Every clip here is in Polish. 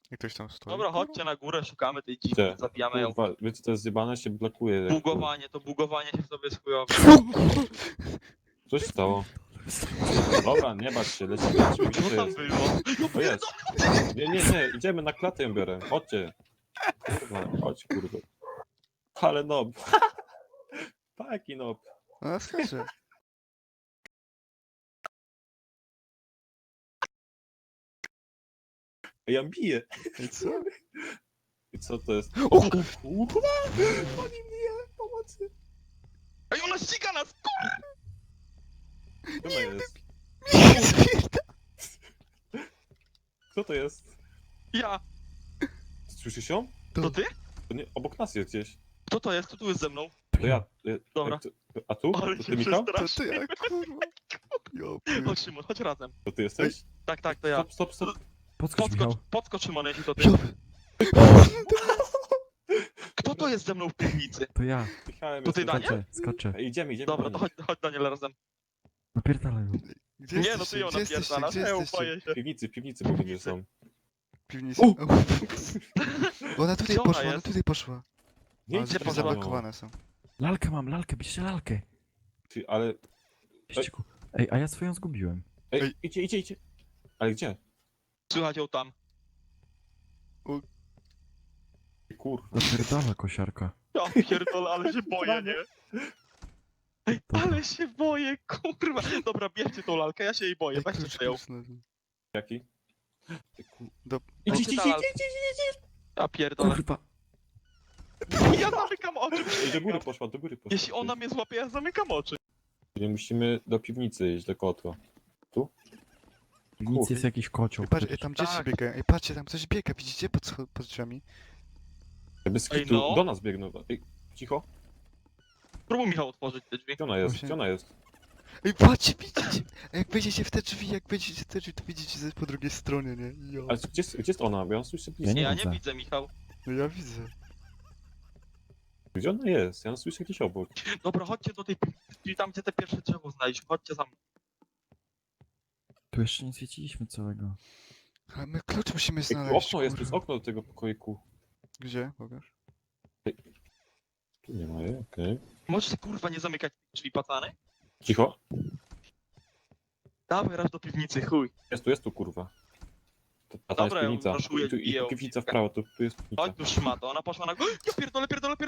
I ktoś tam stoi. Dobra, kurwa? chodźcie na górę, szukamy tej dziwki, Gdzie? zabijamy ją. Kurwa, wiecie co jest zjebane? Się blokuje. jak Bugowanie się w sobie jest chujowe. Coś stało. Dobra, nie bać się, lecimy. Co Gdzie tam jest? było? To jest. Nie, idziemy na klatę ją biorę. Chodźcie. Kurwa, chodź kurwa. Ale nob. Taki nob. No skacze. Ja biję. I co? I co to jest? O, kurwa! Oni bije, pomocy. Ej, ona ściga nas! Kto to jest? Kto to jest? Ja! Słyszysz ją? To ty? To nie, obok nas jest gdzieś. Kto to jest? Kto tu jest ze mną? To ja. Dobra. A tu? Ale To się ty, Michał? to przestraszył. ty, jak kurwa. Jo, Chodź Szymon, chodź razem. To ty jesteś? Tak, to ja. Stop. Podskocz, Michał. Podskocz Szymon, jeśli to ty. Jo. Kto to jest ze mną w piwnicy? To ja. Michałem To ty, jesteś. Daniel? Skaczę. Ej, idziemy. Dobra, to chodź Daniel razem. Napierdalaj ją. Gdzie Nie, no jesteście? ty ją Gdzie jesteście? napierdalasz, Gdzie ja jesteście? boję się. W piwnicy mówię, że są. Piwnica. U! Bo ona tutaj Gdzie ona poszła, ona jest? tutaj poszła. Nie Ale idźcie drzwi za mną. zablokowane są. Lalkę mam, lalkę, bierzcie lalkę. Ty, ale... Bierzcie ku... Ej, a ja swoją zgubiłem. Ej, Ej. idzie. Ale gdzie? Słychać ją tam. Kurwa. Napierdala kosiarka. Ja pierdolę, ale się boję, nie? Ej, Dobra. ale się boję, kurwa. Dobra, bierzcie tą lalkę, ja się jej boję, Ej, weźcie klucz, sobie ją. klucz znalazłem. Jaki? Do... Idź. Ja pierdolę. Kurwa. Ja zamykam oczy. Ej, do góry poszła. Jeśli ona mnie złapie, ja zamykam oczy. Nie musimy do piwnicy iść, do kotła. Nic jest jakiś kocioł. Ej, patrz, ej, tam dzieci Tak. biegają. Ej, patrzcie, tam coś biega, widzicie? Pod drzwiami. Bez Ej, kitu, no. do nas biegną. Ej, cicho. Spróbuj Michał otworzyć te drzwi. Gdzie ona jest? Właśnie. Gdzie ona jest? Ej, patrzcie, widzicie? Ej, jak wejdziecie w te drzwi, to widzicie coś po drugiej stronie, nie? Jo. Ale gdzie jest ona? Bo ja ją słyszę blisko. Nie Ja nie widzę. widzę, Michał. No ja widzę. Gdzie ona jest? Ja ją słyszę gdzieś obok. Dobra, chodźcie do tej piwnicy, tam gdzie te pierwsze drzewo znaleźliśmy. Chodźcie za mną. Tu jeszcze nie zwiedziliśmy całego. Ale my klucz musimy Ej, znaleźć, okno jest, tu jest kurwa. okno do tego pokoiku. Gdzie? Pokaż. Tu nie ma jej, okej. Możecie kurwa nie zamykać drzwi, pacany? Cicho. Dawaj raz do piwnicy, chuj. Jest tu kurwa. A tam Dobra, jest ja piwnica. raszuję, I biję ją. piwnica w prawo, tu jest piwnica. Chodź tu szmato, ona poszła na... Ja pierdolę.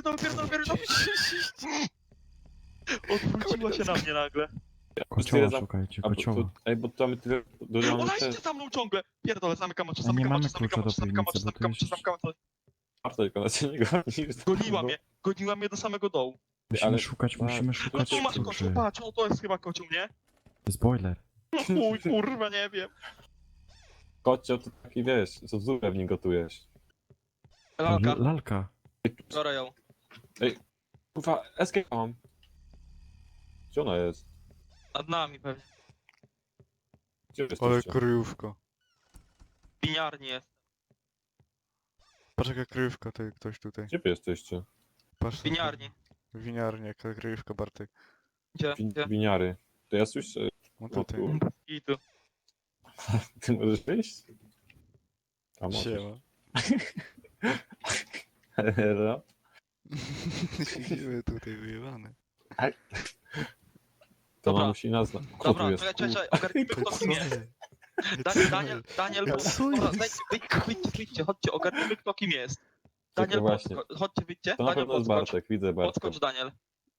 Odwróciła się na mnie nagle. Kocioła za- szukajcie, A, bo kocioła. ej, bo tam tyle... Ona idzie za mną ciągle. Pierdolę, zamykam oczy, A nie mamy zamykam klucza do oczy, zamykam oczy, piwnicy, bo tu zamykam oczy, jest- zamykam oczy. Marta, jak ona cię nie goni. Goniła mnie do samego dołu. Musimy ale- szukać, a, musimy No szukać tu masz kluczy. kocioł, patrz, o to jest chyba kocioł, nie? To jest boiler. No chuj, kurwa, nie wiem. Kocio, to taki wiesz, co zupę w nim gotujesz. Lalka, Lalka. biorę ją. Kurwa, escape mam. Gdzie ona jest? Nad nami pewnie. Gdzie Ale jesteście? kryjówka. W winiarni jest. Patrz jaka kryjówka, to ktoś tutaj. Gdzie wy jesteście? Patrz. W winiarni. W winiarni, jaka kryjówka, Bartek. Gdzie? Gdzie? Winiary. To ja słyszę... No O, tutaj. tu. I tu. Ty możesz wyjść? A możesz. Siema. Hello? Siedzimy tutaj wyjebane. To Dobra. ona musi nas... Kto tu Dobra, jest? czekaj, ogarnijmy kto kim jest. Daniel, wyjdźcie, chodźcie, ogarnijmy kto kim jest. Daniel, właśnie. chodźcie, wyjdźcie. To na Daniel, pewno jest podskocz. Bartek, widzę Bartka. Podskocz, Daniel.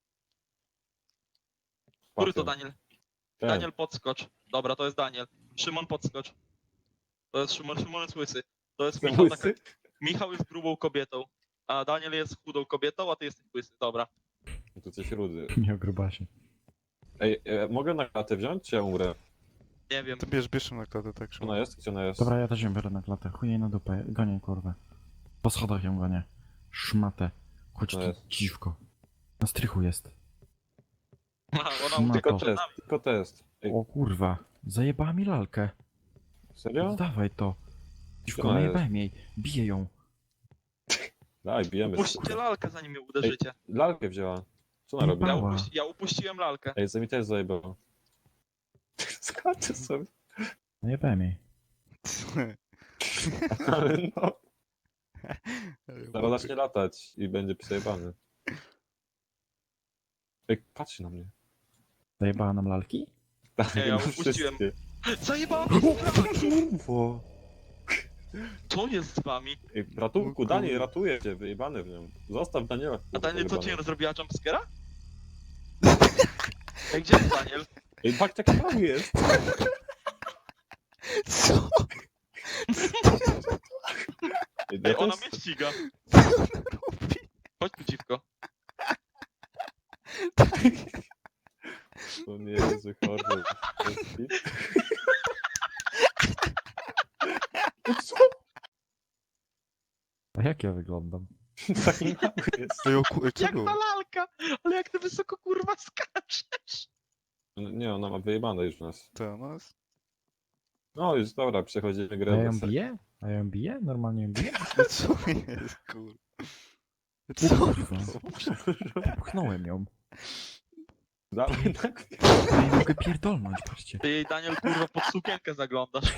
Który to Patrzę. Daniel? Ten. Daniel, podskocz. Dobra, to jest Daniel. Szymon, podskocz. To jest Szymon, Szymon jest łysy. To jest Ten Michał, łysy? Michał jest grubą kobietą. A Daniel jest chudą kobietą, a ty jesteś łysy. Dobra. To coś rudy. Miał grubasie. Ej, mogę na klatę wziąć, czy ja umrę? Nie wiem. To bierz ją na klatę, tak Gdzie ona jest? Gdzie ona jest? Dobra, ja też ją biorę na klatę. Chuj jej na dupę. Gonię kurwę. Po schodach ją gonię. Szmatę. Chodź tu, No jest. dziwko. Na strychu jest. Ona No ucieka to. przed nami. Tylko test. Ej, O kurwa. Zajebała mi lalkę. serio? Dawaj to. Dziwko, ona najebałem jej. Biję ją. Daj, bijemy. Upuśćcie lalkę, zanim mnie uderzycie. Lalkę wzięła. Co ona robi? Ja Ja upuściłem lalkę. Ej, mi też zajebało. Skaczę sobie. Najebałem jej. Ale no, Ale zaraz zacznie latać i będzie przejebany. Ej, patrzy na mnie. Zajebała nam lalki? Tak, Nie, ja no upuściłem. wszystkie. Zajebałem! Kurwo. Co jest z wami? Ej, ratunku, O Daniel, kur- ratuje cię, wyjebany w nią. Zostaw Daniela. A Daniel, co pojebany. ci zrobiła jumpscare'a? Ej, gdzie jest Daniel? Ej, patrz jak tam jest. Co? Ej, Ej, ja ona też... mnie ściga. Co on robi? Chodź tu, dziwko. To nie jest zły horror. To jest hit. Co? A jak ja wyglądam? Taki mały jest. Ej, co Jak było? ta lalka! Ale jak ty wysoko kurwa skaczesz! Nie, ona ma wyjebane już nas. To nas? No już dobra, przechodzimy A ja grę. ją bez- biję? A ja ją biję? Normalnie ją biję? No co jest, kur... Co? Kurwa. Pchnąłem ją. Dawaj tak. Ja nie mogę pierdolnąć, patrzcie. Ty jej, Daniel, kurwa, pod sukienkę zaglądasz.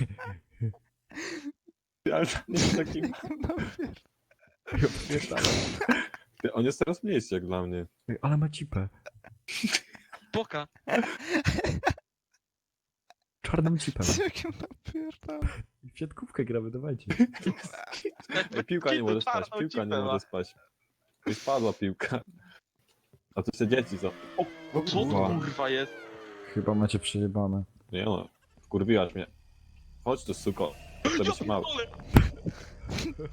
Ale tam jest taki... No wiesz. Ja pierdalam. Ty, on jest teraz mniejszy jak dla mnie. Ej, ale ma cipę. Poka. Czarną cipę. Z jakim napierdam? W siatkówkę gramy, dawajcie. Ej, piłka nie może spać, Czarną piłka nie cipę ma. może spać. Już spadła piłka. A tu się dzieci za... O, Co to Kurwa. kurwa jest? Chyba macie przejebane. nie no, wkurwiłaś mnie. Chodź tu, suko. Żeby się mało. pierdolę.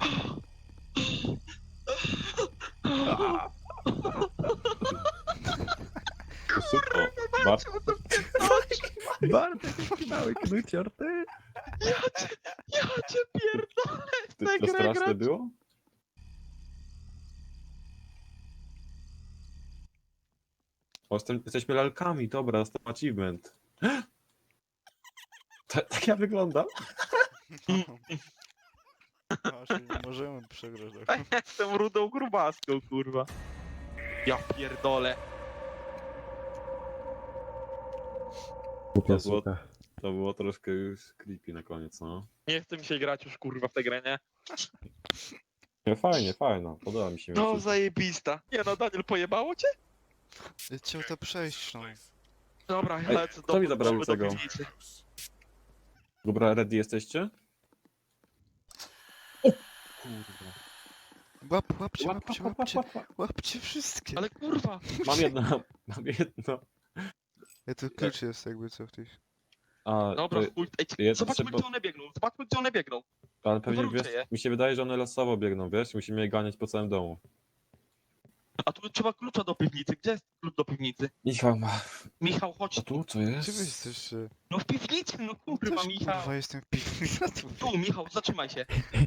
Tu, suko. Bardzo Bartek, jaki mały knucior, ty! Ja cię pierdolę! ty, tę to grę straszne grać. było? O, jesteśmy lalkami, dobra, dostałem achievement. Tak ja wyglądam? Właśnie nie możemy przegrać. A ja jestem rudą grubaską, kurwa. Ja pierdolę. Głupia było- suka. To było troszkę już creepy na koniec, no. Nie chce mi się grać już, kurwa, w tę grę, nie? Nie, fajnie, fajno, podoba mi się. No, mimo zajebista. Nie no, Daniel, pojebało cię? Chciał to przejść, no. Dobra, ja Ej, lecę kto mi zabrał do tego? piwnicy. Dobra, ready jesteście? Kurwa. Łapcie, łapcie wszystkie. Ale kurwa, Mam jedno, mam jedno. Ja tu klucz jest jakby co w tych... A, dobra, to- chuj. Ej, jest zobaczmy, trzeba- gdzie one biegną. Zobaczmy, gdzie one biegną. ale pewnie Wywróćcie wiesz, je. mi się wydaje, że one losowo biegną, wiesz? Musimy je ganiać po całym domu. A tu trzeba klucza do piwnicy. Gdzie jest klucz do piwnicy? Michał ma. Michał, chodź A tu. tu co jest? Gdzie wy jesteście? No w piwnicy, no kurwa, Też, Michał. kurwa, jestem w piwnicy. Tu, Michał, zatrzymaj się.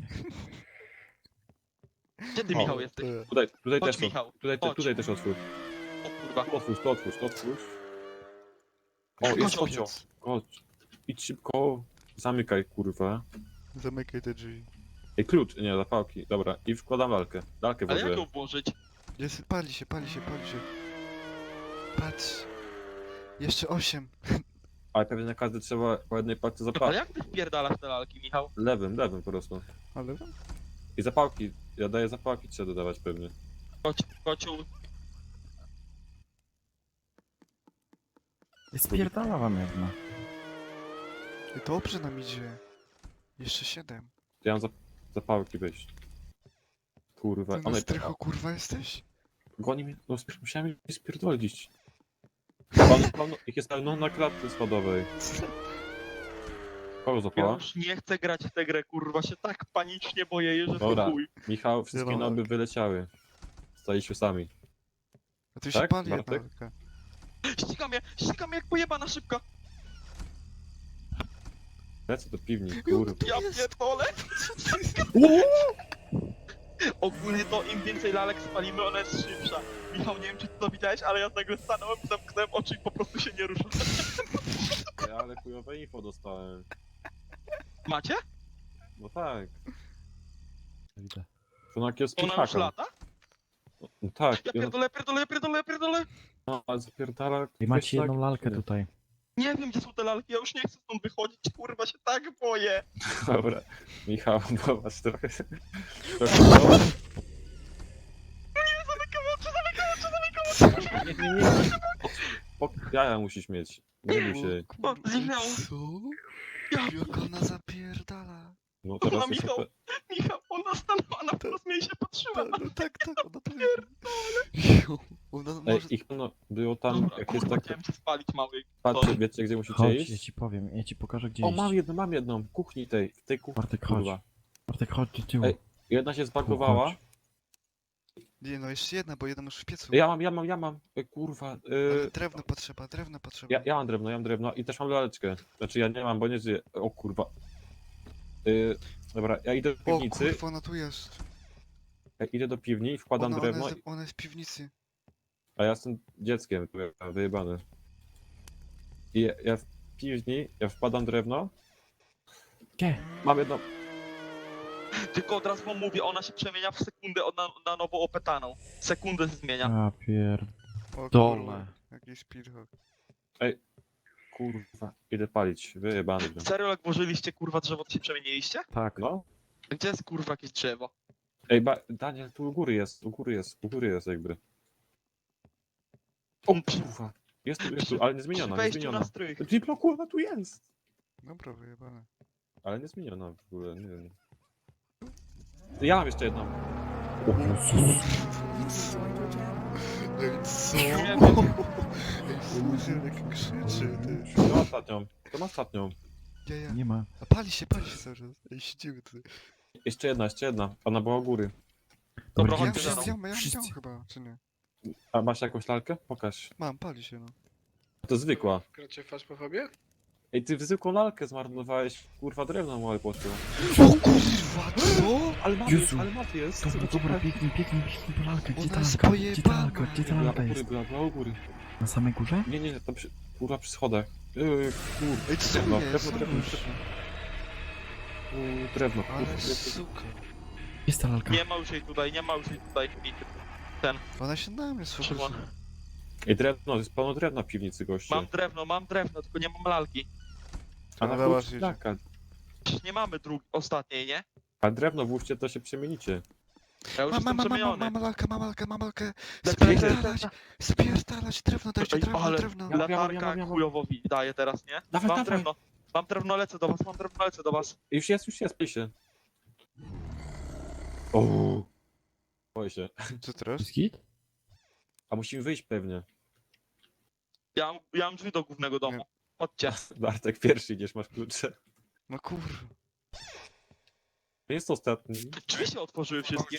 Gdzie ty, O, Michał, jesteś? Tutaj Chodź, też Michał. Tutaj, chodź. tutaj też otwórz. O kurwa. Tu otwórz, to otwórz, to otwórz. O, Chodź, jest chodź. koniec. Chodź. Idź szybko. Zamykaj, kurwa. Zamykaj te drzwi. Ej, klucz, nie, zapałki. Dobra, i wkładam lalkę. Lalkę Ale jak włożyłem. ją włożyć? Jest, pali się. Patrz. Jeszcze 8. Ale pewnie na każdy trzeba po jednej palce Ale zapałki. jak ty wpierdalasz te lalki, Michał? Lewym po prostu. Ale I zapałki. Ja daję zapałki, trzeba dodawać pewnie. Chodź, kociu. Spierdala wam jedna. dobrze nam idzie. Jeszcze 7. Ja mam zapałki wejść. Kurwa, Ty na one strychu kurwa jesteś? goni mnie. No musiałem je spierdolić. Pan, ich jest no, na klatce schodowej. Kogo Ja zapała? już nie chcę grać w tę grę, kurwa, się tak panicznie boję, że Dobra. to chuj. Michał, wszystkie Zielona. noby wyleciały. Staliśmy sami. A tu się Tak, pali Bartek? jedna lalka. Ścigam je jak pojebana szybko. Lecę do piwni, kurwa. Ja pierdolę. Ogólnie to im więcej lalek spalimy, ona jest szybsza. Michał, nie wiem czy ty to widziałeś, ale ja nagle stanąłem, zamknąłem oczy i po prostu się nie ruszam. Ja, ale chujowe info dostałem. Macie? No tak. Widzę. To na kiosku Ona już lata? No tak. Ja i ona- pierdolę. No, ale zapierdala. I macie wiesz, jedną tak- lalkę tutaj. Nie wiem, gdzie są te lalki, ja już nie chcę stąd wychodzić, kurwa, się tak boję. Dobra, Michał, bo was trochę... trochę nie, nie, nie. Jaja musisz mieć. Nie bój się. O, zniknęło. Co? Ja, Jak ona zapierdala. No teraz Ona, jest Michał. OP. Michał, ona stanęła na wprost mnie i się patrzyła. No tak, ona to Jo, ona Ej, może... ich no, było tam, Dobra, jak jest kurwa, takie... chciałem cię spalić, mały. Patrzcie, wiecie gdzie musicie Chodź, ja iść? ci powiem, ja ci pokażę gdzie O, iść. mam jedną, w kuchni tej, w tej kuchni, Bartek, chodź. kurwa. Bartek, chodź do tyłu. Ej, jedna się zbagowała. Chodź. Nie no, jeszcze jedna, bo jedna masz w piecu. Ja mam, kurwa, Ale drewno potrzeba. ja mam drewno i też mam laleczkę. Znaczy ja nie mam, bo nie żyję. O kurwa. Dobra, ja idę do O piwnicy, kurwa, ona tu jest. ja idę do piwni, wkładam drewno, Ona jest w piwnicy. a ja jestem dzieckiem, kurwa, wyjebany. I ja w piwni, ja wkładam drewno, Gdzie? mam jedno... Tylko od razu wam mówię, ona się przemienia w sekundę na nowo opetaną. Sekundę się zmienia. A O Dole. kurwa, jakiś speedhog. Kurwa, idę palić, wyjebany. byłem. Serio, jak włożyliście kurwa drzewo, to się przemieniliście? Tak. No. Gdzie jest kurwa jakieś drzewo? Ej, Daniel, tu u góry jest jakby. O kurwa, jest tu, ale nie Przy zmieniona, nie wejściu zmieniona. na strych. Diploku, ona tu jest! Dobra, wyjebane. Ale nie zmieniona w ogóle, nie wiem. Ja mam jeszcze jedną. O Jezus. Ej, co? Nie wiem. Ej, słuchaj, jak krzyczy, ty. To ma ostatnią, to ma ostatnią. Ja. Nie ma. A pali się cały czas. Ej, siedzimy tutaj. Jeszcze jedna. Ona była u góry. Dobra, Ja chodźcie za wziąłem, mną. ja Wszyscy. wziąłem chyba, czy nie? A masz jakąś lalkę? Pokaż. Mam, pali się, no. To zwykła. Gracie w Faszpofobię? Ej, ty zwykłą lalkę zmarnowałeś, kurwa, drewno małe poszło. O kurwa, co? Jezu. ale mat jest. Dobra, biegnij po lalkę. Gdzie Ona ta jest lalka? Gdzie ta pojebana. lalka? Gdzie ta Była lalka u góry, jest? była u góry. Na samej górze? Nie, tam kurwa przy schodach. Kurwa, Ej, co drewno, jest? drewno. Drewno. Ale suka. Jest ta lalka. Nie ma już jej tutaj. Ona się na mnie Szymon. sfokusuje. Ej, drewno, jest pełno drewna w piwnicy, goście. Mam drewno, tylko nie mam lalki. A na Dobra, klucz idzie. taka. Przecież nie mamy ostatniej, nie? A drewno włóżcie, to się przemienicie. Ja już jestem przemieniony. Mam lalkę. Lecę. Spierdalać, drewno, dajcie Ej, drewno, ale drewno. latarka Ja mam. chujowo daje teraz, nie? Dawaj. Mam drewno, lecę do was. Już jest, pij się. O. Boję się. Co teraz? Jest git? A musimy wyjść pewnie. Ja mam drzwi do głównego domu. Chodźcie. Bartek, pierwszy idziesz, masz klucze. No kurwa. Nie jest ostatni. Drzwi się otworzyły wszystkie.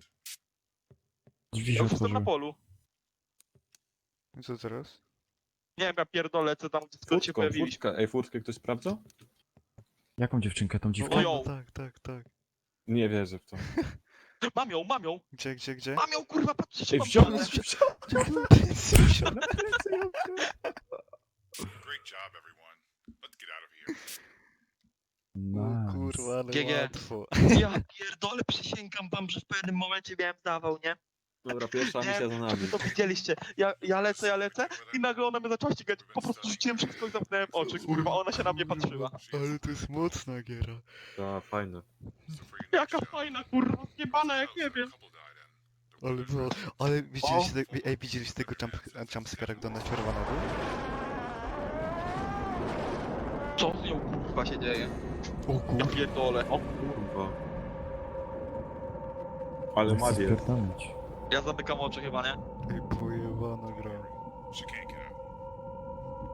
Drzwi Ja się już jestem na otworzyły. polu. I co teraz? Nie wiem, ja pierdolę, lecę tam, gdzie się pojawiliśmy. Ej, furtkę ktoś sprawdza? Jaką dziewczynkę? Tą dziwkę? O, ją. Tak. Nie wierzę w to. Mam ją. Gdzie? Mam ją, kurwa, patrzcie, się Ej, mam wziąłem! ją. Great job, everyone. Let's get out of here. O Nice. kurwa, ale GG. łatwo. Ja pierdolę, przysięgam wam, że w pewnym momencie miałem zawał, nie? Dobra, pierwsza misja za Wy nami. to widzieliście. Ja lecę i nagle ona mnie zaczęła ścigać. Po prostu rzuciłem wszystko i zamknąłem oczy, kurwa, ona się na mnie patrzyła. Ale to jest mocna giera. Ta, fajne. Jaka fajna, kurwa, zjebana, jak nie wiem. Ale no, ale widzieliście tego jumpscare'a, gdy ona czerwona był? Co z nią, kurwa, się dzieje? O Ja kurwa. pierdolę. O kurwa. Ale Chcę mat jest. spierdolić. Ja zamykam oczy chyba, nie? Ej, pojebana gra. She can't get